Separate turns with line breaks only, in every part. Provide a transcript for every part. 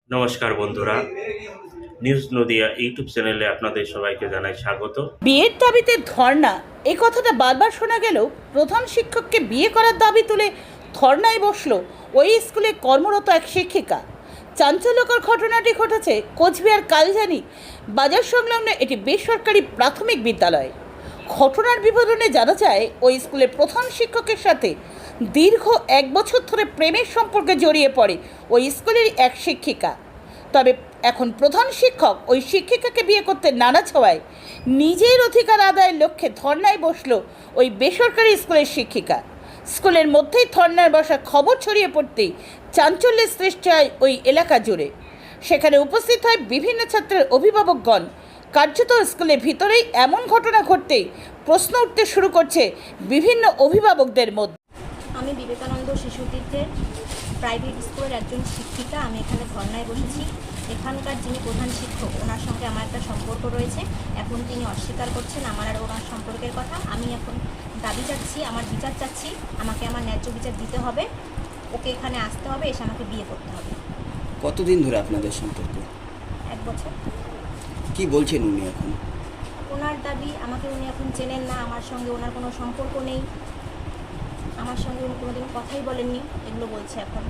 নমস্কার বন্ধুরা, news Nadia YouTube চ্যানেলে আপনাদের সবাইকে জানাই স্বাগত।
বিয়ের দাবিতে ধর্ণা, এই কথাটা বারবার শোনা গেলেও প্রধান শিক্ষককে বিয়ে করার দাবি তুলে ধর্ণায় বসল ওই স্কুলে কর্মরত এক শিক্ষিকা। চাঞ্চল্যকর ঘটনাটি ঘটেছে কোচবিহার কালজানি বাজার সংলগ্ন এটি বেসরকারি প্রাথমিক বিদ্যালয়। ঘটনার বিবরণে জানা যায় ওই স্কুলের প্রধান শিক্ষকের সাথে দীর্ঘ 1 বছর ধরে প্রেমের সম্পর্কে জড়িয়ে পড়ে ওই স্কুলের এক শিক্ষিকা। তবে এখন প্রধান শিক্ষক ওই শিক্ষিকাকে বিয়ে করতে নানা ছোঁয়ায় নিজের অধিকার আদায়ের লক্ষ্যে ধর্নায় বসল ওই বেসরকারি স্কুলের শিক্ষিকা। স্কুলের মধ্যেই ধর্নার বসা খবর ছড়িয়ে পড়তেই চাঞ্চল্যের সৃষ্টি হয় ওই এলাকা জুড়ে। সেখানে উপস্থিত হয় বিভিন্ন ছাত্রের অভিভাবকগণ। কার্যত স্কুলের ভিতরেই এমন ঘটনা ঘটতেই প্রশ্ন উঠতে শুরু করছে বিভিন্ন অভিভাবকদের মধ্যে।
আমি বিবেকানন্দ শিশুতীর্থের প্রাইভেট স্কুলের একজন শিক্ষিকা। আমি এখানে ধর্নায় বসেছি। এখানকার যিনি প্রধান শিক্ষক, ওনার সঙ্গে আমার একটা সম্পর্ক রয়েছে। এখন তিনি অস্বীকার করছেন আমার আর ওনার সম্পর্কের কথা। আমি এখন দাবি চাচ্ছি, আমার বিচার চাচ্ছি। আমাকে আমার ন্যায্য বিচার দিতে হবে। ওকে এখানে আসতে হবে, এসে আমাকে বিয়ে করতে হবে।
কতদিন ধরে আপনাদের সম্পর্ক?
1 বছর।
কি বলছেন উনি এখন?
ওনার দাবি, আমাকে উনি এখন চেনেন না, আমার সঙ্গে ওনার কোনো সম্পর্ক নেই, আমার সঙ্গে উনি কোনোদিন কথাই বলেননি, এগুলো বলছে এখন।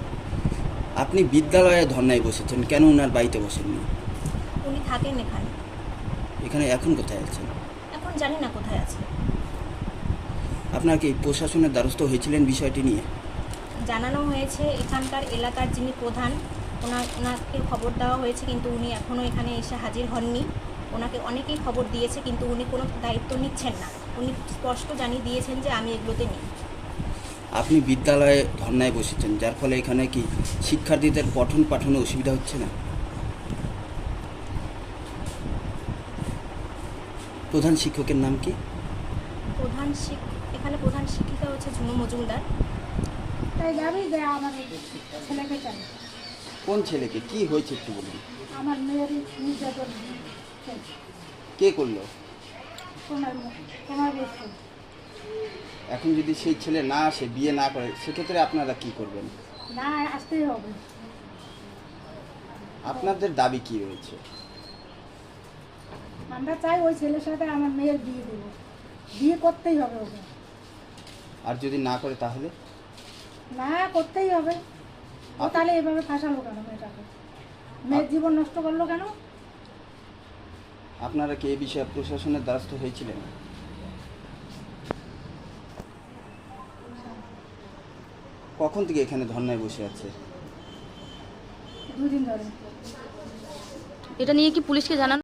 আপনি বিদ্যালয়ে ধর্নায় বসেছেন, কেন ওনার বাড়িতে বসেননি?
উনি থাকেন এখানে।
এখানে এখন কোথায় আছেন?
এখন জানি না কোথায় আছে।
আপনার কি প্রশাসনের দ্বারস্থ হয়েছিলেন বিষয়টি নিয়ে?
জানানো হয়েছে, এখানকার এলাকার যিনি প্রধান ওনাকে খবর দেওয়া হয়েছে, কিন্তু উনি এখনও এখানে এসে হাজির হননি। ওনাকে অনেকেই খবর দিয়েছে, কিন্তু উনি কোনো দায়িত্ব নিচ্ছেন না। উনি স্পষ্ট জানিয়ে দিয়েছেন যে আমি এগুলোতে নেই।
আপনি বিদ্যালয়ে ধর্নায় বসেছেন, যার ফলে এখানে কি শিক্ষার্থীদের পঠন পাঠনে অসুবিধা হচ্ছে না? প্রধান শিক্ষকের নাম কি?
এখানে প্রধান শিক্ষিকা হচ্ছে ঝুনু মজুমদার।
তাই যাবি যে আমাদের ছেলেকে চাই।
কোন ছেলেকে? কি হয়েছে একটু বলুন।
আমার মেয়ের নির্যাতন
কে করলো?
তোমার বেশ।
এখন যদি সেই ছেলে না আসে, বিয়ে না করে, সেক্ষেত্রে আপনারা কি করবেন?
না আসতেই হবে।
আপনাদের দাবি কি রয়েছে?
আমরা চাই ওই ছেলের সাথে আমার মেয়ের বিয়ে দেব, বিয়ে করতেই হবে ওকে।
আর যদি না করে তাহলে?
না করতেই হবে। ও তাহলে এভাবে ফাঁসালো কেন মেয়েটাকে? মেয়ের জীবন নষ্ট করলো কেন?
আপনারা কি এই বিষয়ে প্রশাসনের দ্বারস্থ হয়েছিলেন? কখন থেকে এখানে ধর্নায় বসে আছে?
2 দিন ধরে।
এটা নিয়ে কি পুলিশকে জানানো?